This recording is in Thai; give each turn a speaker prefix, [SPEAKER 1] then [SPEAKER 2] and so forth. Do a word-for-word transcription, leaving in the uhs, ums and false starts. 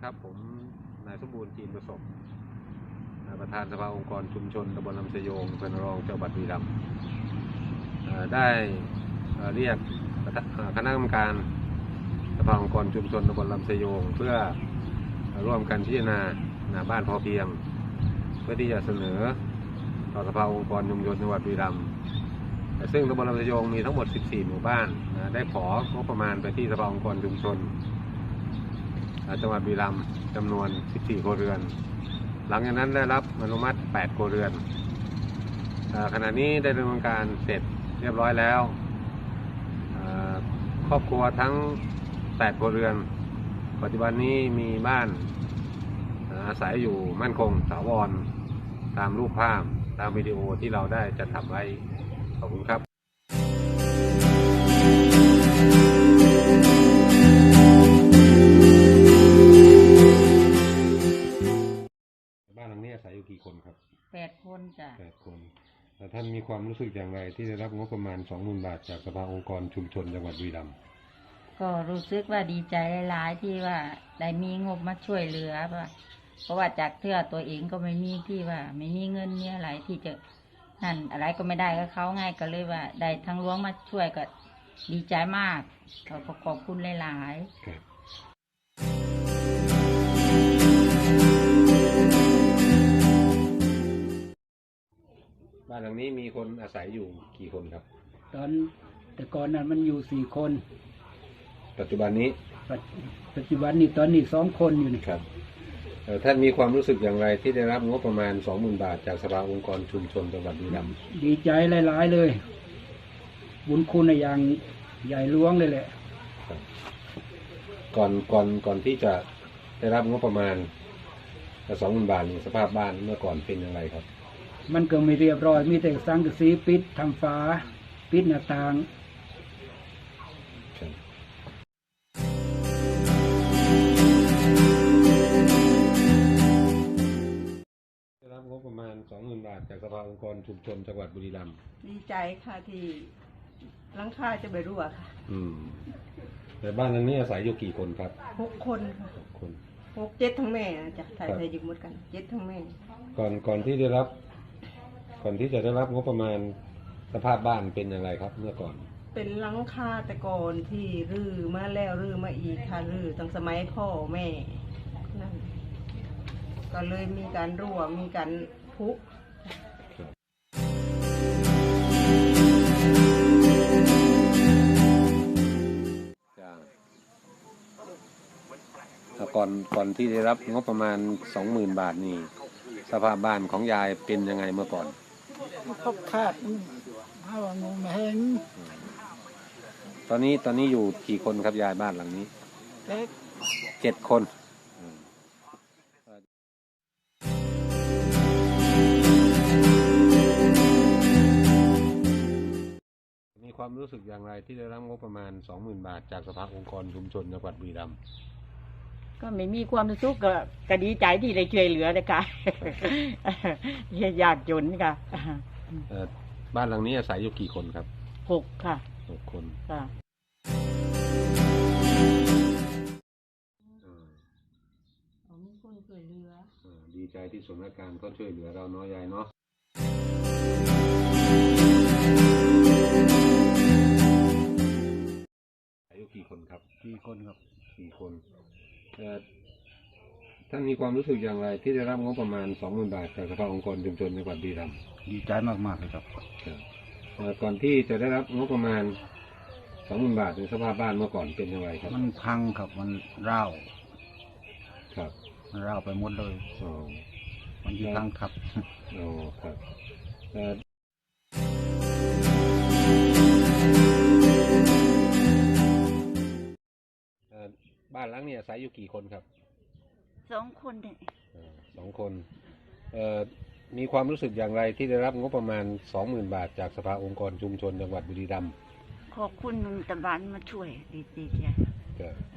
[SPEAKER 1] ครับผมนายสมบูรณ์จีนประสบประธานสภาองค์กรชุมชนตำบลลำสยงเป็นรองเจ้าบัตรบุรีรัมย์ได้เรียกคณะกรรมการสภาองค์กรชุมชนตำบลลำสยงเพื่อร่วมกันพิจารณาหน้าบ้านพอเพียงเพื่อที่จะเสนอต่อสภาองค์กรชุมชนจังหวัดบุรีรัมย์ซึ่งตำบลลำสยงมีทั้งหมดสิบสี่หมู่บ้านได้ของบประมาณไปที่สภาองค์กรชุมชนจังหวัดบุรีรัมย์จำนวนสิบสี่ครัวเรือนหลังจากนั้นได้รับอนุมัติแปดครัวเรือนขณะนี้ได้ดำเนินการเสร็จเรียบร้อยแล้วครอบครัวทั้งแปดครัวเรือนปัจจุบันนี้มีบ้านอาศัยอยู่มั่นคงถาวรตามรูปภาพตามวิดีโอที่เราได้จัดทำไว้ขอบคุณครับบ้านหลังนี้อาศัยอยู่กี่คนครับ
[SPEAKER 2] แปดคนจ้ะ
[SPEAKER 1] แปดคนแต่ท่านมีความรู้สึกอย่างไรที่ได้รับงบประมาณสองหมื่นบาทจากสภาองค์กรชุมชนจังหวัดบุรีรัมย์
[SPEAKER 2] ก็รู้สึกว่าดีใจหลายๆที่ว่าได้มีงบมาช่วยเหลือเพราะว่าจากเทื่อตัวเองก็ไม่มีที่ว่าไม่มีเงินมีอะไรที่จะนั่นอะไรก็ไม่ได้ก็เขาง่ายก็เลยว่าได้ทั้งหลวงมาช่วยก็ดีใจมากขอขอบคุณหลาย
[SPEAKER 1] ๆบ้านหลังนี้มีคนอาศัยอยู่กี่คนครับ
[SPEAKER 3] ตอนแต่ก่อนนั้นมันอยู่สี่คน
[SPEAKER 1] ปัจจุบันนี้
[SPEAKER 3] ปัจจุบันนี้ตอนนี้สองคนอยู่นี่
[SPEAKER 1] ครับท่านมีความรู้สึกอย่างไรที่ได้รับงบประมาณสองหมื่นบาทจากสภาองค์กรชุมชนจังหวัดบุรีรัมย์
[SPEAKER 3] ดีใจหลายๆเลยบุญคุณอย่างใหญ่หลวงเลยแหละ
[SPEAKER 1] ก่อนก่อนก่อนที่จะได้รับงบประมาณสองหมื่นบาทสภาพบ้านเมื่อก่อนเป็นอย่างไรครับ
[SPEAKER 3] มันก็ไม่เรียบร้อยมีแต่สังกะสีปิดทำฝาปิดหน้าต่าง
[SPEAKER 1] ได้รับงบประมาณสองหมื่นบาทจากสภาองค์กรชุมชนจังหวัดบุรีรัมย์
[SPEAKER 4] ดีใจค่ะที่หลังคาจะไปรั่วค่ะ
[SPEAKER 1] อืมแต่บ้านหลังนี้อาศัยอยู่กี่คนครับ
[SPEAKER 4] หกคนค่ะ
[SPEAKER 1] หกคน
[SPEAKER 4] หกเจ็ดทั้งแม่จ้ะถ่ายถ่ายยิงหมดกันเจ็ดทั้งแม่
[SPEAKER 1] ก่อนก่อนที่ได้รับก่อนที่จะได้รับงบประมาณสภาพบ้านเป็นอย่างไรครับเมื่อก่อน
[SPEAKER 4] เป็นหลังคาแต่ก่อนที่รื้อมาแล้วรื้อมาอีกค่ะรื้อตั้งสมัยพ่อแม่นั่นก็เลยมีการรั่วมีการพุ
[SPEAKER 1] ก่อนก่อนที่ได้รับงบประมาณสองหมื่นบาทนี่สภาพบ้านของยายเป็นยังไงเมื่อก่อน
[SPEAKER 3] ครบขาดถ้าว่างงไม่เห็น
[SPEAKER 1] ตอนนี้ตอนนี้อยู่กี่คนครับยายบ้านหลังนี้เจ็ดคนมีความรู้สึกอย่างไรที่ได้รับงบประมาณสองหมื่นบาทจากสภาองค์กรชุมชนจังหวัดบุรีรัมย์
[SPEAKER 2] ก็ไม่มีความรู้สึกก็ดีใจที่ได้ช่วยเหลือนะคะยากจนค่ะ
[SPEAKER 1] บ้านหลังนี้อาศัยอยู่กี่คนครับ
[SPEAKER 2] หกค่ะ
[SPEAKER 1] หกคน
[SPEAKER 2] ค่ะมีคนช่วยเหลือ
[SPEAKER 1] ดีใจที่สถานการณ์ก็ช่วยเหลือเราเนาะยายเนาะอายุกี่คนครับ
[SPEAKER 3] กี่คนครับ
[SPEAKER 1] กี่คนท่านมีความรู้สึกอย่างไรที่ได้รับงบประมาณสองหมื่นบาทจากสภาองค์กรชุมชนจังหวัดบุรีรัมย์
[SPEAKER 3] ดีใจมากๆเลยครับ
[SPEAKER 1] ก่อนที่จะได้รับงบประมาณสองหมื่นบาทในสภาพบ้านเมื่อก่อนเป็นอย่างไรครับ
[SPEAKER 3] มันพังครับมันร้าว
[SPEAKER 1] ครับ
[SPEAKER 3] มันร้าวไปหมดเลย
[SPEAKER 1] อ๋อ
[SPEAKER 3] มันยี่พังครับ
[SPEAKER 1] อ๋อครับบ้านหลังนี้อาศัยอยู่กี่คนครับ
[SPEAKER 2] สองคนเนี่ย
[SPEAKER 1] สองคนเอ่อมีความรู้สึกอย่างไรที่ได้รับงบประมาณสองหมื่นบาทจากสภาองค์กรชุมชนจังหวัดบุรีรัมย์
[SPEAKER 2] ขอบคุณตะวันมาช่วยดีๆจ้ะ